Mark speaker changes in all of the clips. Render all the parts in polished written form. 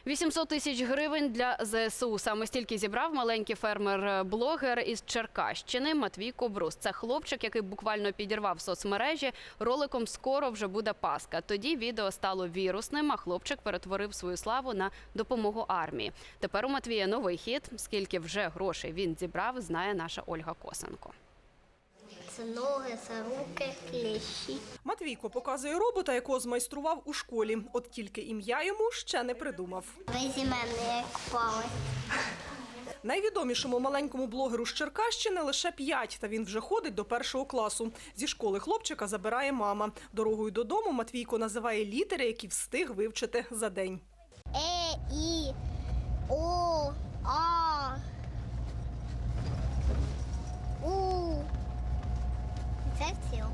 Speaker 1: 800 тисяч гривень для ЗСУ. Саме стільки зібрав маленький фермер-блогер із Черкащини Матвій Кобрус. Це хлопчик, який буквально підірвав соцмережі роликом «Скоро вже буде Пасха». Тоді відео стало вірусним, а хлопчик перетворив свою славу на допомогу армії. Тепер у Матвія новий хід. Скільки вже грошей він зібрав, знає наша Ольга Косенко.
Speaker 2: Це ноги, це руки, кліщі.
Speaker 3: Матвійко показує робота, якого змайстрував у школі. От тільки ім'я йому ще не придумав.
Speaker 2: Безіменний, як палець.
Speaker 3: Найвідомішому маленькому блогеру з Черкащини лише 5, та він вже ходить до 1 класу. Зі школи хлопчика забирає мама. Дорогою додому Матвійко називає літери, які встиг вивчити за день.
Speaker 2: І, О, А, У. Це все.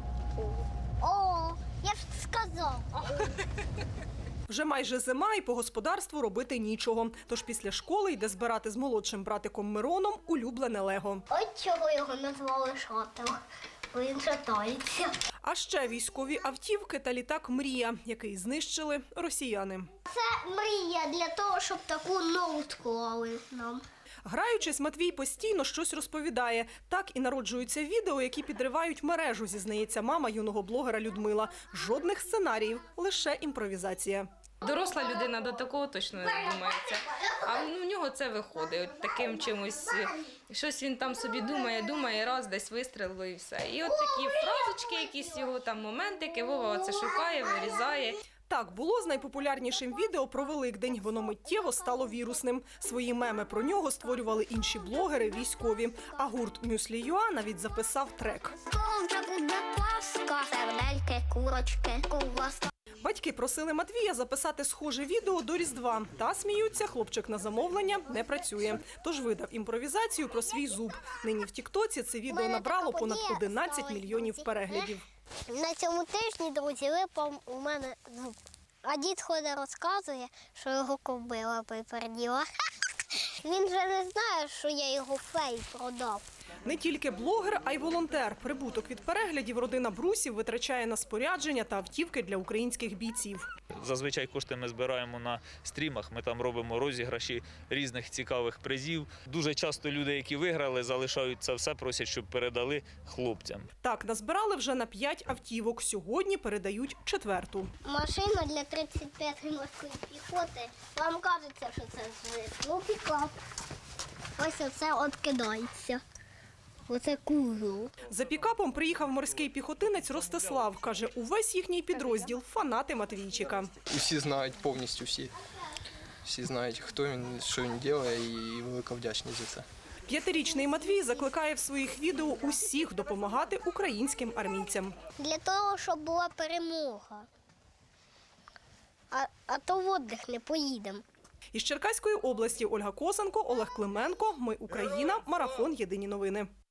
Speaker 2: О, я ж сказав.
Speaker 3: Вже майже зима і по господарству робити нічого. Тож після школи йде збирати з молодшим братиком Мироном улюблене лего.
Speaker 2: От чого його назвали шател. Бо він шатається.
Speaker 3: А ще військові автівки та літак «Мрія», який знищили росіяни.
Speaker 2: Це мрія для того, щоб таку нову склали нам.
Speaker 3: Граючись, Матвій постійно щось розповідає. Так і народжуються відео, які підривають мережу, зізнається мама юного блогера Людмила. Жодних сценаріїв, лише імпровізація.
Speaker 4: Доросла людина до такого точно не додумається, а в нього це виходить. От таким чимось, щось він там собі думає, раз десь вистрілило і все. І от такі фразочки, якісь його там моментики, Вова оце шукає, вирізає.
Speaker 3: Так було з найпопулярнішим відео про Великдень. Воно миттєво стало вірусним. Свої меми про нього створювали інші блогери, військові. А гурт «Мюслі.ua» навіть записав трек.
Speaker 2: Вже буде Пасха. Сердельки, курочки, ковбаска.
Speaker 3: Батьки просили Матвія записати схоже відео до Різдва. Та, сміються, хлопчик на замовлення не працює. Тож видав імпровізацію про свій зуб. Нині в тіктоці це відео набрало понад 11 мільйонів переглядів.
Speaker 2: На цьому тижні, друзі, випав у мене зуб. А дід ходить розказує, що його кобила приперділа. Він же не знає, що я його фей продав.
Speaker 3: Не тільки блогер, а й волонтер. Прибуток від переглядів родина Брусів витрачає на спорядження та автівки для українських бійців.
Speaker 5: Зазвичай кошти ми збираємо на стрімах, ми там робимо розіграші різних цікавих призів. Дуже часто люди, які виграли, залишають це все, просять, щоб передали хлопцям.
Speaker 3: Так, назбирали вже на 5 автівок. Сьогодні передають 4-ту.
Speaker 2: Машина для 35-ї морської піхоти. Вам кажеться, що це звик. Ну, пікап. Ось оце от кидається. Оце кузов.
Speaker 3: За пікапом приїхав морський піхотинець Ростислав. Каже, увесь їхній підрозділ – фанати Матвійчика.
Speaker 6: Усі знають, повністю всі. Всі знають, хто він, що він робить, і велика вдячність за це.
Speaker 3: 5-річний Матвій закликає в своїх відео усіх допомагати українським армійцям.
Speaker 2: Для того, щоб була перемога. А то в віддих не поїдемо.
Speaker 3: Із Черкаської області Ольга Косенко, Олег Клименко. Ми Україна. Марафон. Єдині новини.